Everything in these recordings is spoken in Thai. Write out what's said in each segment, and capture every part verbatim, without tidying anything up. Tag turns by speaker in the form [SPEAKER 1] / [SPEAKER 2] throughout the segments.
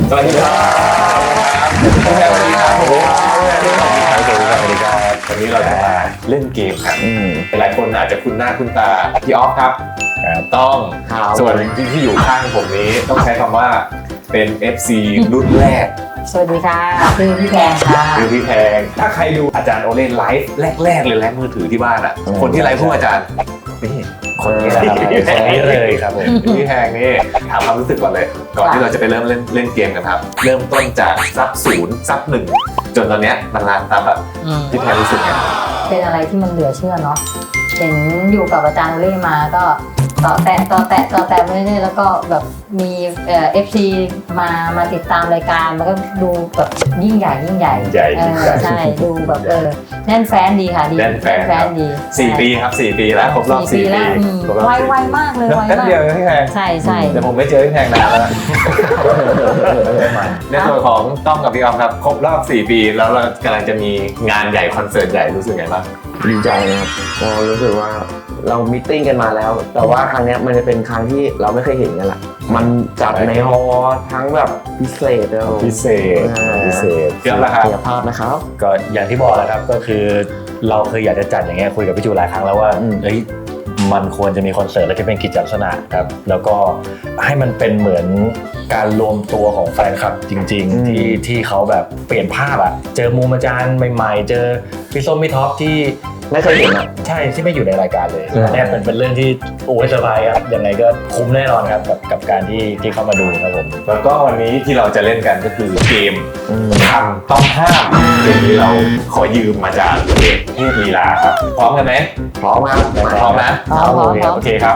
[SPEAKER 1] สวัสดีครับสวัสดีครับผมสวัสดีครับวันนี้เราจะมาเล่นเกมครับหลายคนอาจจะคุ้นหน้าคุ้นตาพี่ออฟครับต้องส่วนที่อยู่ข้างผมนี้ต้องใช้คำว่าเป็น เอฟ ซี รุ่นแรก
[SPEAKER 2] สวัสดีค่ะคือพี่แพงค่ะ
[SPEAKER 1] คือพี่แพงถ้าใครดูอาจารย์โอเล่นไลฟ์แรกๆเลยแรกมือถือที่บ้านอ่ะคนที่ไลฟ์พวกอาจารย์นี่คนนี้นะครับคนนี้เลยครับผมพี่แพงนี่ถามความรู้สึกก่อนเลยก่อนที่เราจะไปเริ่มเล่นเล่นเกมกันครับเริ่มต้นจากซับศูนย์ซับหนึ่งจนตอนเนี้ยมันล้านซับอ่ะพี่แพงรู้สึกไง
[SPEAKER 2] เป็นอะไรที่มันเหลือเชื่อเนาะเห็นอยู่กับอาจารย์โอเล่มาก็ต่อแตะต่อแตะต่อแตะไปเรื่อยๆแล้วก็แบบมีเอ่อ เอฟ ซี มามาติดตามรายการมันก็ดูแบบยิ่งใหญ่ยิ่งใหญ่ใช่ดูแบบเออแน่นแฟนดีค่ะดี
[SPEAKER 1] แน่นแฟนดีสี่ปีครับสี่ปีแล้วครบรอบสี่ปี
[SPEAKER 2] ไวไวมากเลยไวมาก
[SPEAKER 1] เดียวพี่แพง
[SPEAKER 2] ใช่ใช่
[SPEAKER 1] แต่ผมไม่เจอพี่แพงนานแล้วในส่วนของต้องกับพี่ออฟครับครบรอบสี่ปีแล้วเรากำลังจะมีงานใหญ่คอนเสิร์ตใหญ่รู้สึกไงบ้าง
[SPEAKER 3] ดีใจนะครับเรารู้สึกว่าเรามีตติ้งกันมาแล้วแต่ว่าครั้งนี้มันจะเป็นครั้งที่เราไม่เคยเห็นกันละมันจัดในฮอลล์ทั้งแบบพิเศษแล้ว
[SPEAKER 1] พิเศษพิเศษเกือบแล้วครับ
[SPEAKER 3] เกียรภาพนะครับ
[SPEAKER 4] ก็อย่างที่บอกแล้วครับก็คือเราเคยอยากจะจัดอย่างเงี้ยคุยกับพี่จูหลายครั้งแล้วว่าเฮ้ยมันควรจะมีคอนเสิร์ตแล้วจะเป็นกิจลักษณะครับแล้วก็ให้มันเป็นเหมือนการรวมตัวของแฟนคลับจริงๆที่ที่เขาแบบเปลี่ยนภาพอะเจอมุมอาจารย์ใหม่ๆเจอพี่ส้มพี่ท็อปที่
[SPEAKER 3] ไม่เคยเห็นอ่ะ
[SPEAKER 4] ใช่ที่ไม่อยู่ในรายการเลยเนี่ยเป็นเป็นเรื่องที่โอ้ยเซอร์ไพรส์ครับยังไงก็คุ้มแน่นอนครับกับกับการที่ที่เข้ามาดูครับผม
[SPEAKER 1] แล้วก็วันนี้ที่เราจะเล่นกันก็คือเกมคำต้องห้ามเกมนี้เราขอยืมมาจากเด็กเทพลีลาครับพร้อมกันไหม
[SPEAKER 3] พร้อมครับ
[SPEAKER 1] พร้อมนะ
[SPEAKER 2] พร้อม
[SPEAKER 1] โอเคครับ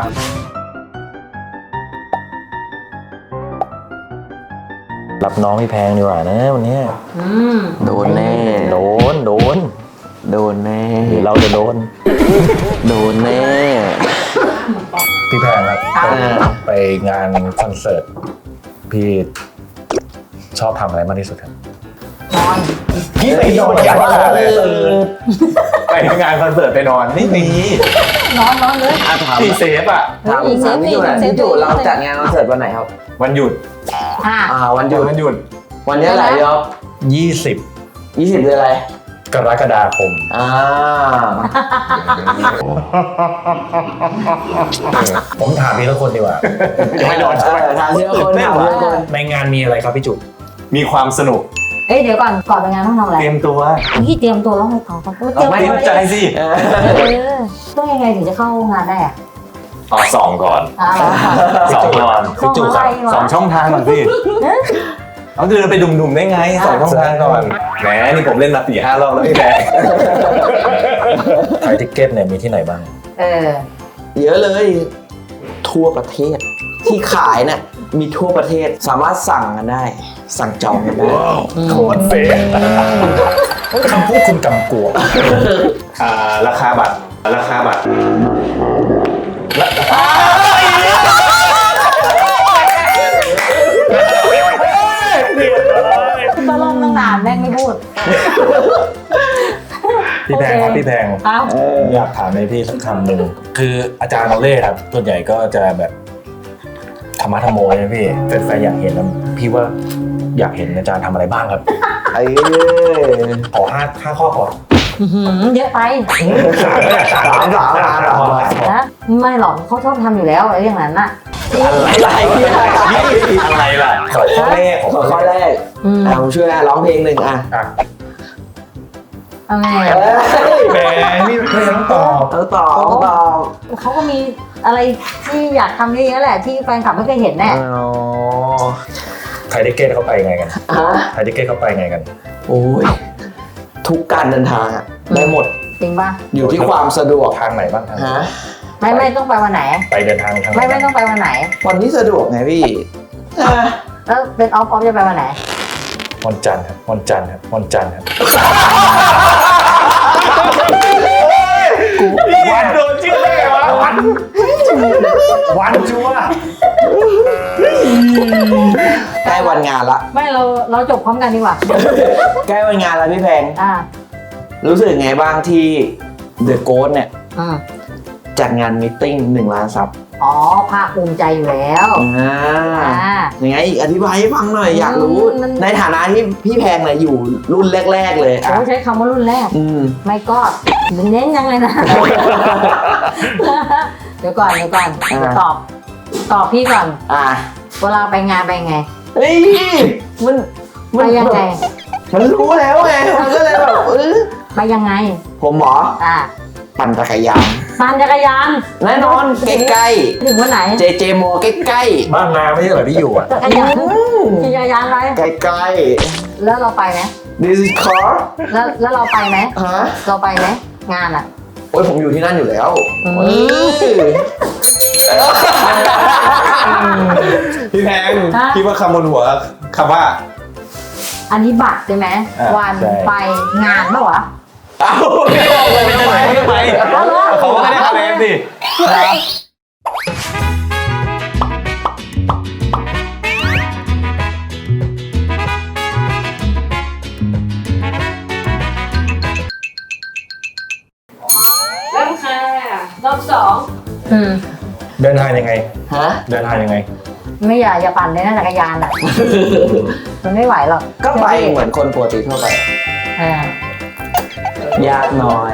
[SPEAKER 4] รับน้องพี่แพงดีกว่านะวันนี้
[SPEAKER 3] โดนแน่
[SPEAKER 4] โดนโดน
[SPEAKER 3] โดนแน่
[SPEAKER 4] หรือเราจะโดน
[SPEAKER 3] โดนแน่
[SPEAKER 4] พี่แพงครับไปงานคอนเสิร์ตพี่ชอบทำอะไรมากที่สุดครับ
[SPEAKER 2] นอน
[SPEAKER 1] พี่ไปนอนอย่างไรเลยไปงานคอนเสิร์ตไปนอนไม่มี
[SPEAKER 2] นอนนอนเลย
[SPEAKER 1] พี่เซฟอ่ะ
[SPEAKER 3] ถามถามพี่จูนะพี่จูเราจัดงานคอนเสิร์ตวันไหนครับ
[SPEAKER 1] วันหยุด
[SPEAKER 2] อ่า
[SPEAKER 3] วันหยุด
[SPEAKER 1] วันหยุด
[SPEAKER 3] วันนี้อะไรยอบ
[SPEAKER 4] ยี่สิบ
[SPEAKER 3] ยี่สิบเดือนอะไร
[SPEAKER 4] กรกฎาคม
[SPEAKER 3] อ่า
[SPEAKER 4] ผมถามพี่ทุกคนดีกว่า
[SPEAKER 1] ไม่โดนใช่ไหม
[SPEAKER 3] ถามพี่ทุกคนถามพี่ทุกคน
[SPEAKER 4] ในงานมีอะไรครับพี่จุ๊บ
[SPEAKER 1] มีความสนุก
[SPEAKER 2] เอ้ยเดี๋ยวก่อนก่อนไปงานต้องทำอะไร
[SPEAKER 1] เตรียมตัว
[SPEAKER 2] พี่เตรียมตัวแล้วไงต่อครับ
[SPEAKER 1] เตรียมใจสิ
[SPEAKER 2] ต้องยังไงถึงจะเข้างานได้อะ
[SPEAKER 1] ต่อสองก่อนสองก่อนพี่จุ๊บสองช่องทางก่อนสิเอาคือไปดุมๆได้ไงสองช่องทางก่อนแหมนี่ผมเล่นมาสี่ห้ารอบแล้วพี่แพง
[SPEAKER 4] ขายติ๊กเก็ตเนี่ยมีที่ไหนบ้าง
[SPEAKER 2] เออ
[SPEAKER 3] เยอะเลยทั่วประเทศที่ขายเนี่ยมีทั่วประเทศสามารถสั่งกันได้สั่งจองกันได้
[SPEAKER 4] โคตรเฟ้คำพูดคุณกำกวม
[SPEAKER 1] ราคาบัตรราคาบัตร
[SPEAKER 2] ตะล่อมตั้งนานแม่งไม่พูด
[SPEAKER 4] พี่แพงครับพี่แพงอยากถามในพี่สักคำหนึ่งคืออาจารย์โอเล่ครับส่วนใหญ่ก็จะแบบธรรมะธรรมโมนะพี่แฟนๆอยากเห็นแล้วพี่ว่าอยากเห็นอาจารย์ทำอะไรบ้างครับ
[SPEAKER 3] ไอ้
[SPEAKER 4] ขอห้าห้าข้อก่อน
[SPEAKER 2] เยอะไป
[SPEAKER 3] สามสามสาม
[SPEAKER 2] นะไม่หรอกเขาชอบทำอยู่แล้วอะไรอย่างนั้นน่ะ
[SPEAKER 3] อะไร
[SPEAKER 1] อะไรล่ะ
[SPEAKER 4] ข้อแรก
[SPEAKER 3] ข้อแรกผมช่วยร้องเพลงหนึ่งอ่ะ
[SPEAKER 2] อะไร
[SPEAKER 4] แหมนี่เพลงต้องตอบ
[SPEAKER 3] ต้องตอบต้องตอบ
[SPEAKER 2] เขาก็มีอะไรที่อยากทำเยอะๆแหละที่แฟนคลับไม่เคยเห็นแน่
[SPEAKER 4] ไทยทิเก็ตเขาไปไงกันไทยทิเก็ตเขาไปไงกัน
[SPEAKER 3] โอ้ยทุกการเดินทางอ่ะได้หมด
[SPEAKER 2] จริงป่ะ
[SPEAKER 3] อยู่ที่ความสะดวก
[SPEAKER 4] ทางไหนบ้างทาง
[SPEAKER 2] ไม่ไม่ต้องไปวันไหน
[SPEAKER 4] ไปเดินทางทาง
[SPEAKER 2] ไม่ไม่ต้องไปวันไหน
[SPEAKER 3] วันที่สะดวกไงพี่
[SPEAKER 2] แล้วเป็นออฟออฟจะไปวันไหน
[SPEAKER 4] วันจันทร์ครับวันจันทร์ครับวันจันทร์ครับ
[SPEAKER 1] วันโดนชื่อได้ไงวะวัน
[SPEAKER 4] วันจัว
[SPEAKER 3] ใกล้วันงานละ
[SPEAKER 2] ไม่เราเราจบพร้อมกันดีกว่า
[SPEAKER 3] ใกล้วันงานแล้วพี่แพง
[SPEAKER 2] อ่า
[SPEAKER 3] รู้สึกไงบ้างที่เดอะโกสต์เนี่ยจัดงานมิทติ้งหนึ่งล้านซับ
[SPEAKER 2] อ๋อภาคภูมิใจอยู่แล้ว
[SPEAKER 3] อ่า
[SPEAKER 2] อ่า
[SPEAKER 3] ยังไงอีกอธิบายให้ฟังหน่อยอยากรู้
[SPEAKER 2] มัน
[SPEAKER 3] ในฐานะที่พี่แพงเนี่ยอยู่รุ่นแรก ๆ เลย
[SPEAKER 2] โอ้
[SPEAKER 3] อ่ะ
[SPEAKER 2] ใช้คำว่ารุ่นแรก
[SPEAKER 3] อืม
[SPEAKER 2] ไม่ก็เน้นยังไงนะ เดี๋ยวก่อนเดี๋ยวก่อน
[SPEAKER 3] อ่า
[SPEAKER 2] ตอบ ตอบพี่ก่อน
[SPEAKER 3] อ่ะ
[SPEAKER 2] เวลาไปงานไปไง
[SPEAKER 3] เฮ้ยมัน
[SPEAKER 2] ไปยังไง
[SPEAKER 3] มันรู้แล้วไงมันก็เลยแบบเออ
[SPEAKER 2] ไปยังไง
[SPEAKER 3] ผมหมอ
[SPEAKER 2] อ่า
[SPEAKER 3] ปั่นจักรยาน
[SPEAKER 2] ปั่นจักรยาน
[SPEAKER 3] แน่นอนใกล้
[SPEAKER 2] ถึงวันไหน
[SPEAKER 3] ๆเจเจโมใกล้
[SPEAKER 4] บ้านนาไม่ใช่เหรอที่อยู่อ่ะ
[SPEAKER 2] จักรยานขี่จักรยานไป
[SPEAKER 3] ๆใกล้
[SPEAKER 2] แล้วเราไปไหม
[SPEAKER 3] ๆ this is car
[SPEAKER 2] แล้วแล้วเราไปไหม
[SPEAKER 3] ฮะ
[SPEAKER 2] เราไปไหมงานอ่ะ
[SPEAKER 3] โอ้ยผมอยู่ที่นั่นอยู่แล้ว
[SPEAKER 2] อืม
[SPEAKER 3] เออ
[SPEAKER 1] พี่แพง
[SPEAKER 2] ฮะ
[SPEAKER 1] คิดว่าคำบนหัวคำว่า
[SPEAKER 2] อันนี้บัตรใช่ไหม
[SPEAKER 1] อ่า
[SPEAKER 2] วัน
[SPEAKER 4] ใช่
[SPEAKER 2] ไปงานเปล่าวะ
[SPEAKER 3] เอ้าไม่บอกเลย
[SPEAKER 1] ไม่ไปไม่ไปเขาก็ไม่ได้คะแนนสิ
[SPEAKER 2] เริ่มค่ะรอบสองอืม
[SPEAKER 4] เดินทางยังไง
[SPEAKER 3] ฮะ
[SPEAKER 4] เดินทางยังไง
[SPEAKER 2] ไม่อยากจะปั่นเลยนะจักรยานอ่ะ มันไม่ไหวหรอก
[SPEAKER 3] ก็ไปเหมือนคนปกติทั่วไป
[SPEAKER 2] อ่าย
[SPEAKER 3] ากหน่อย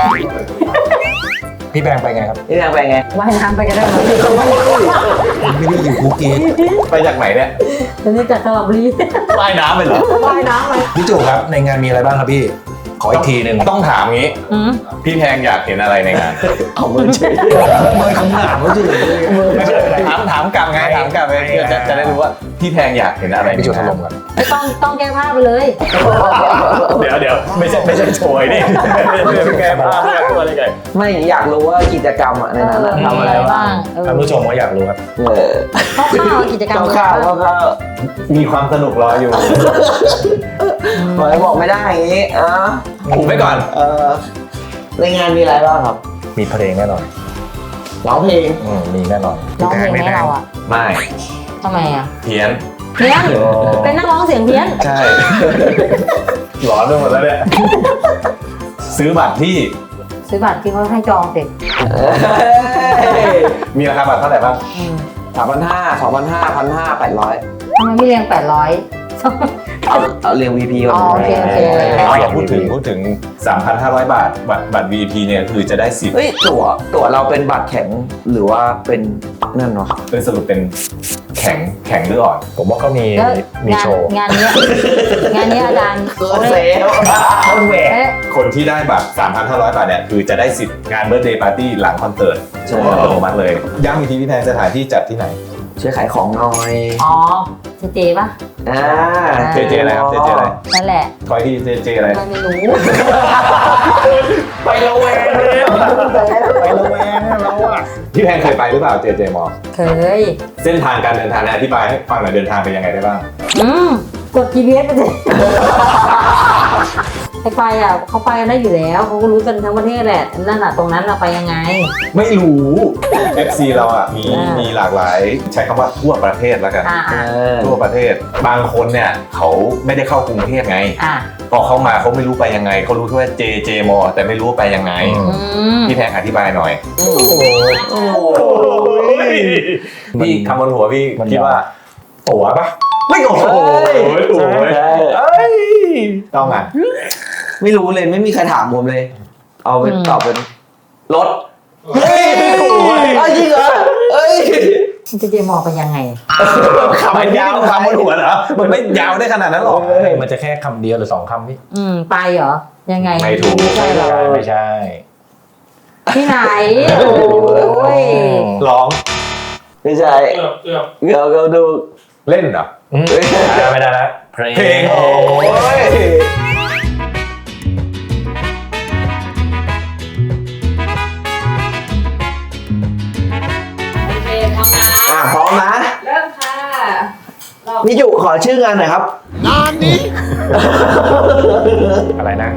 [SPEAKER 4] พี่แบงไปไงครับ
[SPEAKER 3] นี่แพงไปไง
[SPEAKER 2] ว่ายน้ำไปก็ได้ไหม
[SPEAKER 4] ไม่ได้อยู่ภูเก็ต
[SPEAKER 1] ไปจากไหนเนี่ย
[SPEAKER 2] ตอนนี้จากสระบุรี
[SPEAKER 1] ว่ายน้ำไปเหรอ
[SPEAKER 2] ว่ายน้ำไป
[SPEAKER 4] พี่จุกครับในงานมีอะไรบ้างครับพี่ ขออีกทีหนึ่ง
[SPEAKER 1] ต้องถามงี้
[SPEAKER 2] อืม
[SPEAKER 1] พี่แพงอยากเห็นอะไรในงาน
[SPEAKER 3] เอามือเฉย
[SPEAKER 4] ไม่คำถามเขาจุก
[SPEAKER 1] ไม่เป็นไรถามถามกลับไงถามกลับไปเพื่อจะจะได้รู้ว่าพี่แพงอยากเห็นอะไรใน
[SPEAKER 4] พี่จุกถ
[SPEAKER 1] งาน
[SPEAKER 4] ล่มกัน
[SPEAKER 2] ไม่ต้องต้องแก้ผ้าไปเลย
[SPEAKER 1] เดี๋ยวเดี๋ยวไม่ใช่ไม่ใช่โชยนี่ไม่ใช่แก้ผ้าไม่ใช่ตัวอะไรไง
[SPEAKER 3] ไม่อยากรู้ว่ากิจกรรมอะในนั้นอะทำอะไรบ้าง
[SPEAKER 2] เออ
[SPEAKER 4] ท่านผู้ชมก็อยากรู้ครับ
[SPEAKER 3] เออ
[SPEAKER 2] คร่าวๆกิจกรรม
[SPEAKER 3] ข้าวๆข้าวข้าว
[SPEAKER 1] มีความสนุกรออยู่
[SPEAKER 3] ๆบอกบอกไม่ได้อย่างนี้อ่ะ
[SPEAKER 1] ผมไว้ก่อน
[SPEAKER 3] เออในงานมีอะไรบ้างครับ
[SPEAKER 4] มีเพลงแน่นอน
[SPEAKER 3] ร้องเพลง
[SPEAKER 4] อืมมีแน่นอน
[SPEAKER 2] ร้องเพลงให้เราอ่ะ
[SPEAKER 1] ไม่
[SPEAKER 2] ทำไมอ่ะ
[SPEAKER 1] เพี้ยน
[SPEAKER 2] เพี้ยนเป็นนักร้องเสียงเพี้ยน
[SPEAKER 1] ใช่ หลอนไปหมดแล้วเนี่ยซื้อบัตรที่
[SPEAKER 2] ซื้อบัตรที่เขาให้จองเสร็จ
[SPEAKER 1] มีราคาบัตรเท่าไหร่บ้าง
[SPEAKER 2] อืม
[SPEAKER 3] สามพันห้าสองพันห้าพันห้าแปดร้อย
[SPEAKER 2] ทำไมไม่เรียงแปดร้อย
[SPEAKER 3] เอาเอาเรียง วี พี ก่อน
[SPEAKER 2] อ๋อโอเคโอเค
[SPEAKER 1] เราพูดถึงพูดถึง สามพันห้าร้อย บาท บัตรบัตร วี ไอ พี เนี่ยคือจะได้สิทธิ์
[SPEAKER 3] เฮ้ยตั๋วตั๋วเราเป็นบัตรแข็งหรือว่าเป็นนั่นวะ
[SPEAKER 1] เป็นสรุปเป็นแข็งแข็งหรืออ่อน
[SPEAKER 4] ผมว่าก็มี
[SPEAKER 2] แล้ว
[SPEAKER 4] มี
[SPEAKER 2] งาน
[SPEAKER 4] โชว์
[SPEAKER 2] งานเนี้ยงานเนี้ยอาจารย์
[SPEAKER 3] เกินเซล
[SPEAKER 4] คนแหวก
[SPEAKER 2] เอ๊ะ
[SPEAKER 1] คนที่ได้บัตร สามพันห้าร้อย บาทเนี่ยคือจะได้สิทธิ์งานเบิร์ d เดย์ปาร์ตี้หลังคอนเสิร์ต
[SPEAKER 3] ใช่
[SPEAKER 1] อัตโนมัติเลยย้ำอีกทีพี่แพงสถานที่จัดที่ไหน
[SPEAKER 3] ช่วยขายของหน่อย
[SPEAKER 2] อ๋อเจเจปะ
[SPEAKER 3] อ่า
[SPEAKER 1] เจเจอะไรครับเจเจอะไร
[SPEAKER 2] นั่นแหละ
[SPEAKER 1] คอยที่เจเจอะไร
[SPEAKER 2] ไม่รู้
[SPEAKER 3] ไประแวงเลย
[SPEAKER 4] ไประแวงเราอ่ะ
[SPEAKER 1] พี่แพงเคยไปหรือเปล่าเจเจมอ
[SPEAKER 2] เคย
[SPEAKER 1] เส้นทางการเดินทางเนี่ยอธิบายให้ฟังหน่อยเดินทางเป็นยังไงได้บ้าง
[SPEAKER 2] อืมกด จี พี เอส ไปเลยไปไปอ่ะเขาไปกันได้อยู่แล้วเขาก็รู้กันทั้งประเทศแหละนั่นอ่ะตรงนั้นเราไปยังไง
[SPEAKER 1] ไม่รู้ เอฟ ซี เราอ่ะมี
[SPEAKER 2] อ่ามี
[SPEAKER 1] มีหลากหลายใช้คำว่าทั่วประเทศแล้วกัน
[SPEAKER 2] อ่า
[SPEAKER 3] เอ
[SPEAKER 2] อ่า
[SPEAKER 3] อ
[SPEAKER 1] ทั่วประเทศบางคนเนี่ยเขาไม่ได้เข้ากรุงเทพไง
[SPEAKER 2] อ่า
[SPEAKER 1] พอเข้ามาเขาไม่รู้ไปยังไงเขารู้แค่ว่าเจเจมอแต่ไม่รู้ว่าไปยังไง
[SPEAKER 4] อืม
[SPEAKER 2] อืม
[SPEAKER 1] พี่แพงอธิบายหน่อย
[SPEAKER 3] โอ้โห
[SPEAKER 1] พี่คำบนหัวพี่
[SPEAKER 4] มัน
[SPEAKER 1] คิดว่า
[SPEAKER 4] ตั๋วปะ
[SPEAKER 1] ไม่โอ้โหถูกเลย
[SPEAKER 3] ใช่
[SPEAKER 1] เอ้ยต้องอ่ะ
[SPEAKER 3] ไม่รู้เลยไม่มีใครถามผมเลย เอาเป็น
[SPEAKER 2] อืม
[SPEAKER 3] ตอบเป็นรถ
[SPEAKER 1] เฮ้ยถูกเว้ย
[SPEAKER 3] เอ้ยจริงเหรอเอ้ย
[SPEAKER 2] เจเจมองไปยังไง
[SPEAKER 1] คำมันยาวคำบนหัวเหรอมันไม่ยาวได้ขนาดนั้นหรอก
[SPEAKER 4] มันจะแค่คำเดียวหรือสองคำพี่
[SPEAKER 2] อืมไปเหรอยังไง
[SPEAKER 1] ไม่ถูก
[SPEAKER 2] ใช่หรอ
[SPEAKER 4] ไม่ใช่
[SPEAKER 2] ที่ไหนโอ้ย
[SPEAKER 1] ร้อง
[SPEAKER 3] ไม่ใช่
[SPEAKER 5] เกือบเกือบ
[SPEAKER 3] เดี๋ยวเราดู
[SPEAKER 1] เล่นเหรอ
[SPEAKER 4] อืมอ่าไม่ได้ละเพลง
[SPEAKER 1] เพลงโอ้ย
[SPEAKER 2] โอเคพร้อมนะ
[SPEAKER 3] อ่ะพร้อมนะ
[SPEAKER 2] เริ่มค่ะรอบ
[SPEAKER 3] พี่จุขอชื่องานหน่อยครับ
[SPEAKER 4] อะไรนะ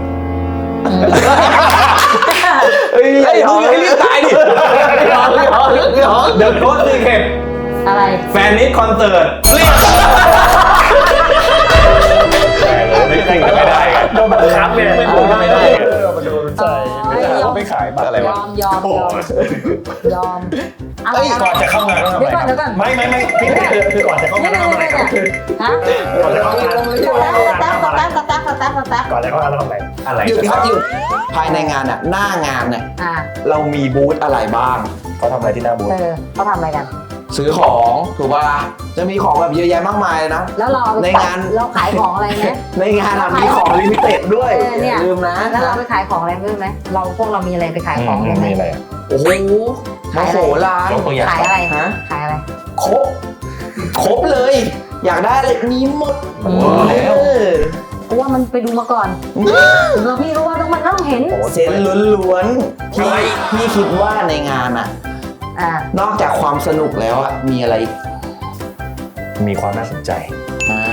[SPEAKER 3] เฮ้ย
[SPEAKER 1] เฮ้ยมึงให้รีบตายดิ
[SPEAKER 3] ย้อนย้อนย้อน
[SPEAKER 1] เดอะโค้ดซีเคท
[SPEAKER 2] อะไร
[SPEAKER 1] แฟนนิดคอนเสิร์ตไม่ได้ไม่ได้
[SPEAKER 4] โดนบังคับเนี่ย
[SPEAKER 1] ไม่ได้ไม่ได้
[SPEAKER 4] มาโดนใจไม่ได้เขาไปขายบัตรอะไร
[SPEAKER 2] ยว
[SPEAKER 4] ะ
[SPEAKER 2] อมยอมยอมก่อน
[SPEAKER 4] ไม่ไม่ไม่พี่ก่อนจะเข้างานทำอะไรครับ
[SPEAKER 2] ฮะ
[SPEAKER 4] ก่อนจะเข้างาน
[SPEAKER 2] สตาร์ทสตาร์ทสตาร์ทสตาร์ทสตาร์ทสตาร์ท
[SPEAKER 4] ก่อนจะเข้างานทำอะไรอะไร
[SPEAKER 3] หยุดครับหยุดภายในงานอ่ะหน้างานเนี่ย
[SPEAKER 2] อ่า
[SPEAKER 3] เรามีบูธอะไรบ้าง
[SPEAKER 4] เขาทำอะไรที่หน้าบูธ
[SPEAKER 2] เออเขาทำอะไรกัน
[SPEAKER 3] ซื้อของถูกป่ะจะมีของแบบเยอะแยะมากมายเลยนะ
[SPEAKER 2] แล้วเรา
[SPEAKER 3] ในงาน
[SPEAKER 2] เราขายของอะไรไหม
[SPEAKER 3] ในงานอะมีของลิมิเต็ดด้วย
[SPEAKER 2] เออเนี่ย
[SPEAKER 3] อย่าลืมนะ
[SPEAKER 2] แล้วเราไปขายของอะไรรู้ไหมเราพวกเรามีอะไรไปขายของกันไหม
[SPEAKER 4] มีอะไร
[SPEAKER 3] โอ้โหโมโหร้าน
[SPEAKER 4] ยกตัวอย่าง
[SPEAKER 2] ขายอะไร
[SPEAKER 3] ฮะ
[SPEAKER 2] ขายอะไร
[SPEAKER 3] ครบครบเลย อยากได้อะไรมีหมด
[SPEAKER 2] อืม
[SPEAKER 3] แล้ว
[SPEAKER 2] กูว่ามันไปดูมาก่อนเราพี่รู้ว่าต้องมันต้องเห็น
[SPEAKER 3] เซนล้วนๆพี่พี่คิดว่าในงานอะ
[SPEAKER 2] อ่าน
[SPEAKER 3] อกจากความสนุกแล้วอะมีอะไรอีก
[SPEAKER 4] มีความน่าสนใจ
[SPEAKER 3] อ่า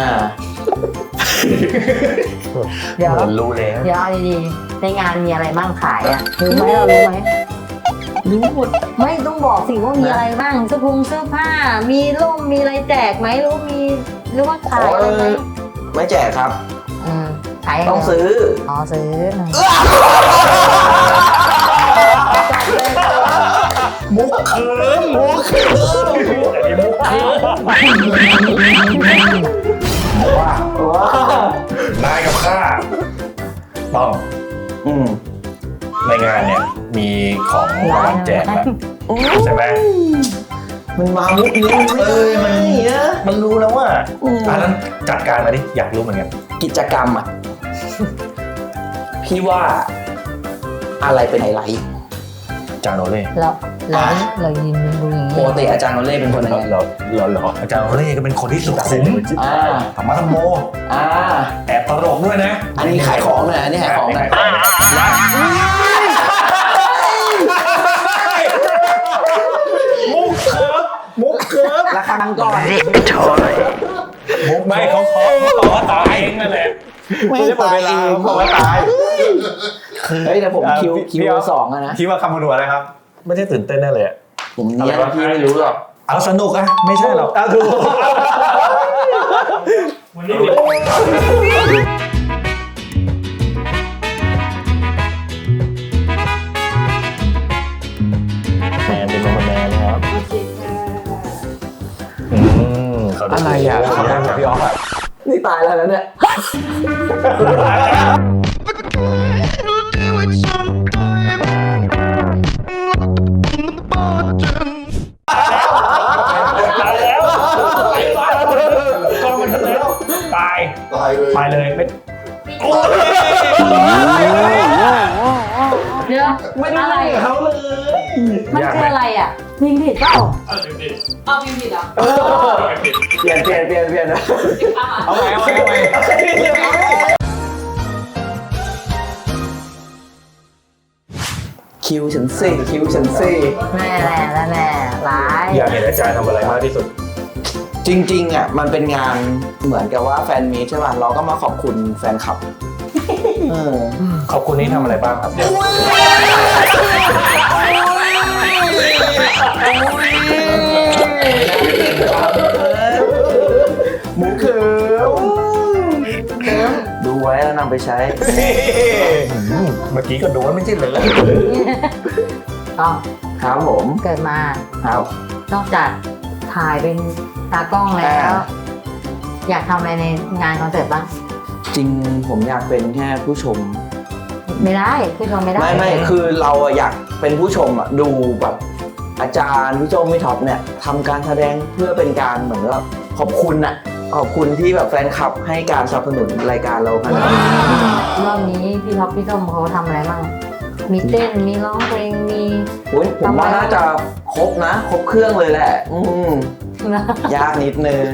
[SPEAKER 2] เดี๋ยว
[SPEAKER 4] เหมือนรู้แล้ว
[SPEAKER 2] เดี๋ยวเอาดีๆในงานมีอะไรบ้างขายอ่ะรู้ไหมเรารู้ไหม
[SPEAKER 3] รู้หมด
[SPEAKER 2] ไม่ต้องบอกสิว่ามีอะไรบ้างเสื้อผงเสื้อผ้า มีร่มมีอะไรแจกไหมรู้มีหรือว่าขายอะไรไหม
[SPEAKER 3] ไม่แจกครับ
[SPEAKER 2] อืมขายยังไง
[SPEAKER 3] ต้องซื้อ
[SPEAKER 2] อ๋อซื้อ
[SPEAKER 3] มุกเคิมมุกเคิม
[SPEAKER 4] อันนี้มุกคือว่า
[SPEAKER 3] ว้าวน
[SPEAKER 4] ายกับข้าต้อง
[SPEAKER 3] อืม
[SPEAKER 4] ในงานเนี่ยมีของรางวัลแจกแล้วใช่ไหม
[SPEAKER 3] มันมามุกนี้มันไม่ได้มันเนี่ย
[SPEAKER 4] มันรู้แล้วว่า
[SPEAKER 3] อืม
[SPEAKER 4] อันนั้นจัดการมาดิอยากรู้เหมือนกัน
[SPEAKER 3] กิจกรรมอ่ะ พี่ว่าอะไรเป็นไฮไลท์
[SPEAKER 4] จานโอเล่
[SPEAKER 2] เราเราเรายืนดูอย่าง
[SPEAKER 3] ป
[SPEAKER 2] นี้
[SPEAKER 3] กติอาจารย์โนเล่เป็นคนยังไง
[SPEAKER 4] เหรอเหรอเหรออาจารย์โอเล่ก็เป็นคนที่สุขุม
[SPEAKER 3] อ่า
[SPEAKER 4] ธรรมะธรรมโม
[SPEAKER 3] อ่า
[SPEAKER 4] แอบตลกด้วยนะ
[SPEAKER 3] อันนี้ขายของหน่อยอันนี้ขายของหน่อย
[SPEAKER 4] มุกเคิร์ฟมุกเคิร์ฟ
[SPEAKER 3] ราคาดังก่อน
[SPEAKER 4] มุกไม่เขาขอเขาขอตายเองนั่นแหละ
[SPEAKER 3] ไม่ได้เปิดเวลาผมว่าตายเฮ้ยแต่ผมคิวคิวสองอะนะ
[SPEAKER 1] คิดว่าคำนวณอะไรครับ
[SPEAKER 4] ไม่ใช่ตื่นเต้นแน่เลยอะ
[SPEAKER 3] ผมเนียนพี่ไม่รู้หรอก
[SPEAKER 4] เอาสนุกอะไม่ใช่หรอก
[SPEAKER 1] เอาถูก
[SPEAKER 4] วันนี้แมนเป็นคนแมนครับอืมเขาดู
[SPEAKER 3] อะไรอะ
[SPEAKER 1] เขาได้กับพี่ออฟอ่ะ
[SPEAKER 3] นี่ตายแล้วนะเนี่ย
[SPEAKER 4] ตายแล้วกองมันแล้วตาย
[SPEAKER 5] ตายเลย
[SPEAKER 4] ตายเลยไม่โอ้ย
[SPEAKER 2] เดี๋ยว
[SPEAKER 3] ไม่ได้
[SPEAKER 2] อะไร
[SPEAKER 3] เล่นกับเขาเลย
[SPEAKER 2] มันคืออะไรอ่ะยิงผิดเปล่า
[SPEAKER 6] เอาพิมพ์ผิดเหรอ
[SPEAKER 3] เปลี่ยนเปลี่ยนเปลี่ยนเปลี่ยนนะ
[SPEAKER 1] เอาไงเอาไงเอาไง
[SPEAKER 3] คิวฉันสี่คิวฉันสี่
[SPEAKER 2] แม่แหละแล้วแม่ร้าย
[SPEAKER 4] อยากเห็นอาจารย์ทำอะไรมากที่สุด
[SPEAKER 3] จริงๆอ่ะมันเป็นงานเหมือนกับว่าแฟนมีตใช่ป่ะเราก็มาขอบคุณแฟนคลับเออ
[SPEAKER 4] ขอบคุณนี่ทำอะไรบ้างครับ
[SPEAKER 3] หมูเขิมดูไว้แล้วนำไปใช้
[SPEAKER 4] เมื่อกี้ก็โดนไม่ใช่เหรอ
[SPEAKER 2] อ๋อ
[SPEAKER 3] ครับผม
[SPEAKER 2] เกิดมา
[SPEAKER 3] ครับ
[SPEAKER 2] นอกจากถ่ายเป็นตากล้องแล้ว
[SPEAKER 3] อ่า
[SPEAKER 2] อยากทำอะไรในงานคอนเสิร์ตบ้าง
[SPEAKER 3] จริงผมอยากเป็นแค่ผู้ชม
[SPEAKER 2] ไม่ได้ผู้ชมไม่ได้
[SPEAKER 3] ไม่ไม่คือเราอะอยากเป็นผู้ชมอะดูแบบอาจารย์พี่โจพี่ท็อปเนี่ยทำการแสดงเพื่อเป็นการเหมือนว่าขอบคุณอะขอบคุณที่แบบแฟนคลับให้การสนับสนุนรายการเราขนาดนี้
[SPEAKER 2] รอบนี้พี่ท็อปพี่ส้มเขาทำอะไรบ้างมีเต้นมีร้องเพลงมี
[SPEAKER 3] อุ๊ยผมว่าน่าจะครบนะ ครบเครื่องเลยแหละ อืมยากนิดนึง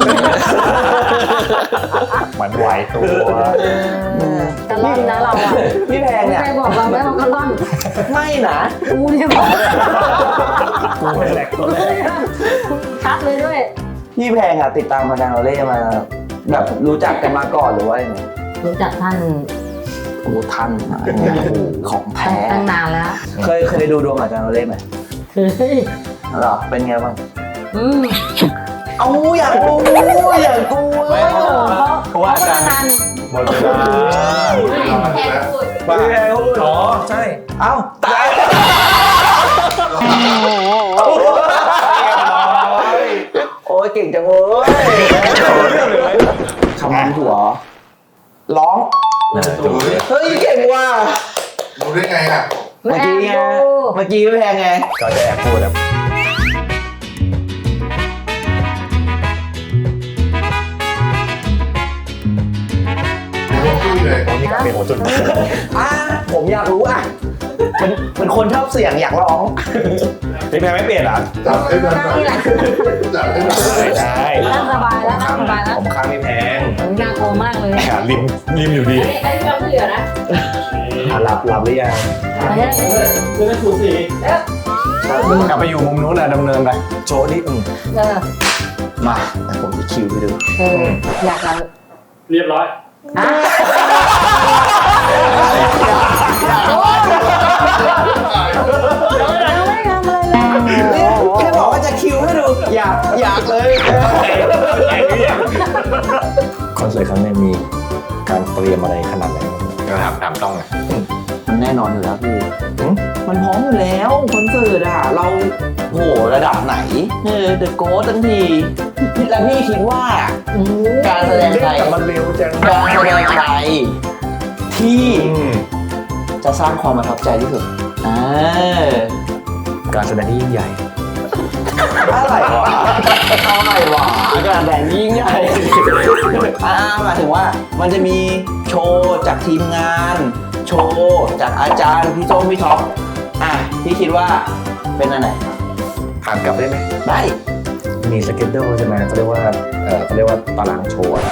[SPEAKER 4] มันไหวตัว
[SPEAKER 2] กระล่อนนะเราอ่ะ
[SPEAKER 3] พี่แพงเนี่ย
[SPEAKER 2] ใครบอกเราไหมว่ากระล่อน
[SPEAKER 3] ไม่นะ
[SPEAKER 2] กูเนี่ยบอก
[SPEAKER 4] กูเป็นแหลกตัวแรก
[SPEAKER 2] ชัดเลยด้วย
[SPEAKER 3] พี่แพงอะติดตามมาดานโอเล่มา แบบรู้จักกันมาก่อนหรือว่ายังไง
[SPEAKER 2] รู้จักท่าน
[SPEAKER 3] โอ้ท่านมาเนี่ยของแท้
[SPEAKER 2] ตั้งนานแล้ว
[SPEAKER 3] เคยเคยดูดวงอาจารย์โอเล่ไหม
[SPEAKER 2] เฮ้ย
[SPEAKER 3] เหรอเป็นไงบ้าง
[SPEAKER 2] อืม
[SPEAKER 3] เอาอยากรู้อยากรู้
[SPEAKER 1] ไม่เพราะเพราะว่าอาจารย์
[SPEAKER 2] ท่าน
[SPEAKER 4] หมดเวลา
[SPEAKER 6] แทนพูด
[SPEAKER 1] ว่า
[SPEAKER 3] พี่แพงพูด
[SPEAKER 4] อ๋อใช่
[SPEAKER 3] เอ้าตาย
[SPEAKER 4] เรียบร้อย
[SPEAKER 3] จังเว้ยคำนำถั่วร้อง
[SPEAKER 4] นะจบเลย
[SPEAKER 3] เฮ้ยเก่งว่ะ
[SPEAKER 5] รู้ได้ไงอ่ะ
[SPEAKER 3] เมื่อกี้ไงเมื่อกี้ไม่แพงไง
[SPEAKER 4] ก็จะแอบพูดครับ
[SPEAKER 5] รู้คุยเลย
[SPEAKER 4] ผมมีการเป็นหัวจุด
[SPEAKER 3] อ่ะผมอยากรู้อ่ะเป็นเป็นคนชอบเสียงอยากร้อง
[SPEAKER 4] พี่แพงไม่เปลี่ยนเหรอ
[SPEAKER 5] จับให้มันหน่อยจับให้มันหน่อย
[SPEAKER 4] ได้
[SPEAKER 2] นั่งสบายแล้วนั่งสบายแล้ว
[SPEAKER 4] ผมข้างไม่แพง
[SPEAKER 2] น่ากลัวมากเลย
[SPEAKER 4] ขาริมริมอยู่ดี
[SPEAKER 6] ไอ้เราไม่เหลือนะ
[SPEAKER 4] อ่ะหลับหลับหรือยัง
[SPEAKER 6] คือมันถูกสี
[SPEAKER 4] กลับไปอยู่มุมนู้นนะดำเนินไปโชว์นี่อืม
[SPEAKER 2] เออ
[SPEAKER 3] มาแต่ผมจะคิวไปดู
[SPEAKER 2] เอออยากเรา
[SPEAKER 6] เรียบร้อย
[SPEAKER 2] อ่ะ
[SPEAKER 3] แค่บอกว่าจะคิวให้ดู อยากอยากเลย
[SPEAKER 4] คอนเสิร์ตครั้งนี้มีการเตรียมอะไรขนาดไหน
[SPEAKER 1] ก็ถามถามต้องไง
[SPEAKER 3] มันแน่นอนอยู่แล้วพี่
[SPEAKER 4] หืม
[SPEAKER 3] มันพร้อมอยู่แล้วคอนเสิร์ตอะเราโหระดับไหนเออเดอะโกสทั้งทีแล้วพี่คิดว่า
[SPEAKER 2] อืม
[SPEAKER 3] การแสดงไทย
[SPEAKER 4] แต่มันเร็วจัง
[SPEAKER 3] การแสดงไทยที่
[SPEAKER 4] อืม
[SPEAKER 3] จะสร้างความประทับใจที่สุดอ่า
[SPEAKER 4] การแสดงที่ยิ่งใหญ่
[SPEAKER 3] อะไรวะอะไรวะการแสดงยิ่งใหญ่อ่าหมายถึงว่ามันจะมีโชว์จากทีมงาน โชว์จากอาจารย์พี่โต้งพี่ท็อปอ่ะพี่คิดว่าเป็นอันไหน
[SPEAKER 1] ถามกลับได้ไหม
[SPEAKER 3] ได้
[SPEAKER 4] มีสเก็ตเดิลใช่ไหมเขาเรียกว่าเออเขาเรียกว่าตารางโชว์อะ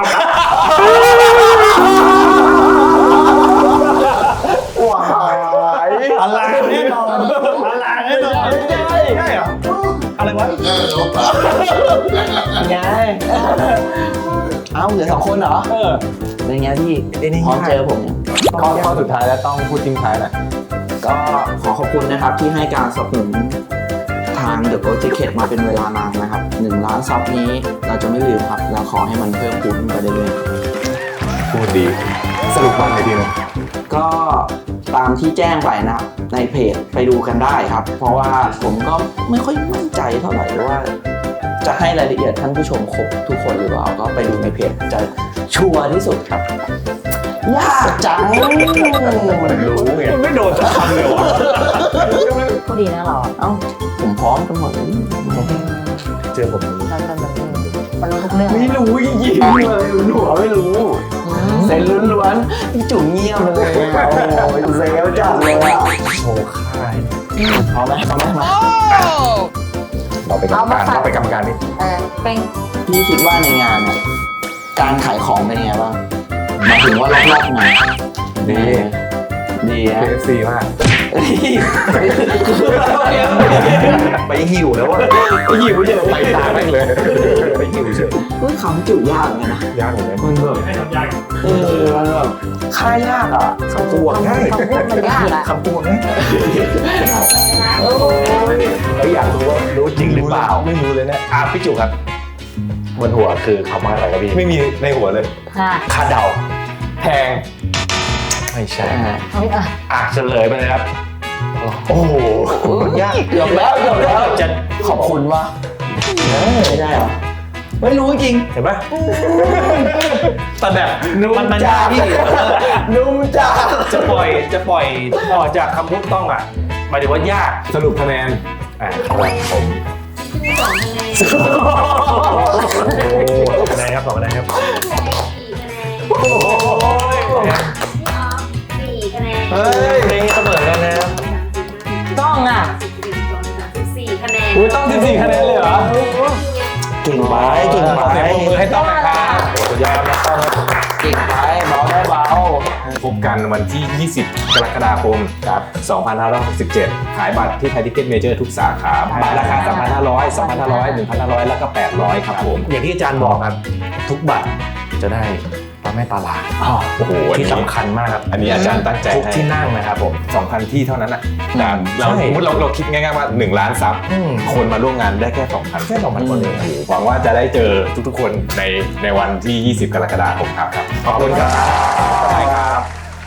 [SPEAKER 3] ว้าย
[SPEAKER 4] ตารางแน่นอนตารางแน่นอนใช่เหรออะไรวะ
[SPEAKER 5] เออรู้ป่ะ
[SPEAKER 3] ไงเอ้าเหลือสองคนเหรอ
[SPEAKER 4] เออ
[SPEAKER 3] เป็นไงพี่
[SPEAKER 4] ไอ้นี่
[SPEAKER 3] พร้อมเจอผมยัง
[SPEAKER 1] ข้อข้อสุดท้ายแล้วต้องพูดทิ้งท้ายหน่อย
[SPEAKER 3] ก็ขอขอบคุณนะครับที่ให้การสนับสนุนทาง The Ghost Ticket มาเป็นเวลานานนะครับหนึ่งล้านซับนี้เราจะไม่ลืมครับเราขอให้มันเพิ่มพูนขึ้นไปเรื่อย
[SPEAKER 1] พูดดี สรุปบ้างเลยทีนึง
[SPEAKER 3] ๆก็ตามที่แจ้งไปนะครับในเพจไปดูกันได้ครับ เพราะว่าผมก็ไม่ค่อยมั่นใจเท่าไหร่ว่า จะให้รายละเอียดท่านผู้ชมครบทุกคนหรือเปล่าก็ไปดูในเพจจะชัวร์ที่สุดครับยากจัง
[SPEAKER 4] รู้ไงไม่โดนสักคำเลยวะ
[SPEAKER 2] ก็ดีนะเราอ่ะ
[SPEAKER 3] เอ้าผมพร้อมกันหมดเลย
[SPEAKER 4] เจอผม
[SPEAKER 2] มันมันมันมันรู้ทุกเรื่อง
[SPEAKER 3] ไม่รู้จริงๆเลยหนูไม่รู้
[SPEAKER 2] อืม
[SPEAKER 3] เซนล้วนๆพี่จุ๋มเงียบเลยอะโอ้ยเซลจัดเลยอะ
[SPEAKER 4] โชว์ค่าย
[SPEAKER 3] พร้อมไหมพร้อมไหมมา
[SPEAKER 4] เราไปกรรมการเราไปกรรมการนี่
[SPEAKER 2] เออเป็น
[SPEAKER 3] พี่คิดว่าในงานเนี่ยการขายของเป็นยังไงบ้างหมายถึงว่ารอบๆงาน
[SPEAKER 1] ดี
[SPEAKER 3] ดี
[SPEAKER 1] เค
[SPEAKER 3] ฮะ
[SPEAKER 1] เอฟซีมาก
[SPEAKER 3] ไปหิวแล้วอะ
[SPEAKER 1] ไปหิวเฉยไปตามแม่งเลย ไปหิวเฉย
[SPEAKER 3] เฮ้ยคำจุ๋ยากเหมือนกันนะ
[SPEAKER 4] ยากเหมือนกัน
[SPEAKER 3] มันแบบ
[SPEAKER 6] ให้ทำยาก
[SPEAKER 3] เออมันแบบค่ายากอ่ะ
[SPEAKER 4] คำตัวง่าย
[SPEAKER 2] คำพูดมันยากอ่ะ
[SPEAKER 4] คำตัวง่ายเราอยากรู้ว่ารู้จริงหรือเปล่าไม่รู้เลยนะอ่ะพี่จุครับบนหัวคือคำว่าอะไรครับพี่
[SPEAKER 1] ไม่มีในหัวเลย
[SPEAKER 2] ค่ะ
[SPEAKER 4] คาเดา
[SPEAKER 1] แพง
[SPEAKER 4] ไม่ใช่
[SPEAKER 3] อ่า
[SPEAKER 2] เอาอ่ะ
[SPEAKER 4] อ่ะเฉลยไปเลยครับโอ้โห
[SPEAKER 3] ยากเกือบแล้วเกือบแล้ว
[SPEAKER 4] จะ
[SPEAKER 3] ขอบคุณวะไม่ได้เหรอไม่รู้จริง
[SPEAKER 4] เห็นปะแต่แบบมันมัน
[SPEAKER 3] จ้าย
[SPEAKER 4] ากที่
[SPEAKER 3] นุ่มจ้า
[SPEAKER 4] จะปล่อยจะปล่อยออกจากคำพูดต้องอ่ะหมายถึงว่ายาก
[SPEAKER 1] สรุปคะแนน
[SPEAKER 4] อ่ะครับผม
[SPEAKER 6] สองคะแนน
[SPEAKER 4] โอ้สองคะแนนครับสองคะแนนครับ
[SPEAKER 6] สี่คะแนน
[SPEAKER 4] โอ้ย
[SPEAKER 6] พี่ออฟสี่คะแนน
[SPEAKER 3] เฮ้ย
[SPEAKER 4] เพลงเสมอกันนะครับ
[SPEAKER 2] ต้องอ่ะ
[SPEAKER 6] สิบสี่คะแนน
[SPEAKER 1] อุ้ยต้องสิบสี่คะแนนเลยเหรอ
[SPEAKER 3] เก่งไปเก่งไป
[SPEAKER 1] เสียงปรบมือให้ต้องนะครับ
[SPEAKER 4] สุดยอดนะต้องครับ
[SPEAKER 3] เก่งไปเบาได้เบา
[SPEAKER 1] พบกันวันที่ ยี่สิบ กรกฎาคมครับสองพันห้าร้อยหกสิบเจ็ด ขายบัตรที่ไทยทิเก็ตเมเจอร์ทุกสาขาบัตรราคา สามพันห้าร้อย สองพันห้าร้อย หนึ่งพันห้าร้อย แล้วก็ แปดร้อย ครับผม
[SPEAKER 4] อย่างที่อาจารย์บอกครับ ทุกบัตรจะได้พระแม่ตาลา
[SPEAKER 1] โอ้โหอัน
[SPEAKER 4] ที่
[SPEAKER 1] นี้
[SPEAKER 4] สำคัญมากครับ
[SPEAKER 1] อันนี้อาจารย์ตั้งใจ
[SPEAKER 4] ทุก
[SPEAKER 1] ให้
[SPEAKER 4] ที่นั่งนะครับผม
[SPEAKER 1] สองพัน ที่เท่านั้นอ่ะแต่เรา
[SPEAKER 4] ใช่
[SPEAKER 1] สมมติเราเราคิดง่ายๆว่าหนึ่งล้านซับ
[SPEAKER 4] อืม
[SPEAKER 1] คนมาร่วมงานได้แค่ สองพัน
[SPEAKER 4] แค่สองพันคนเอง
[SPEAKER 1] หวังว่าจะได้เจอทุกๆคนในในวันที่ ยี่สิบ กรกฎาคมครับ ขอบคุณครับ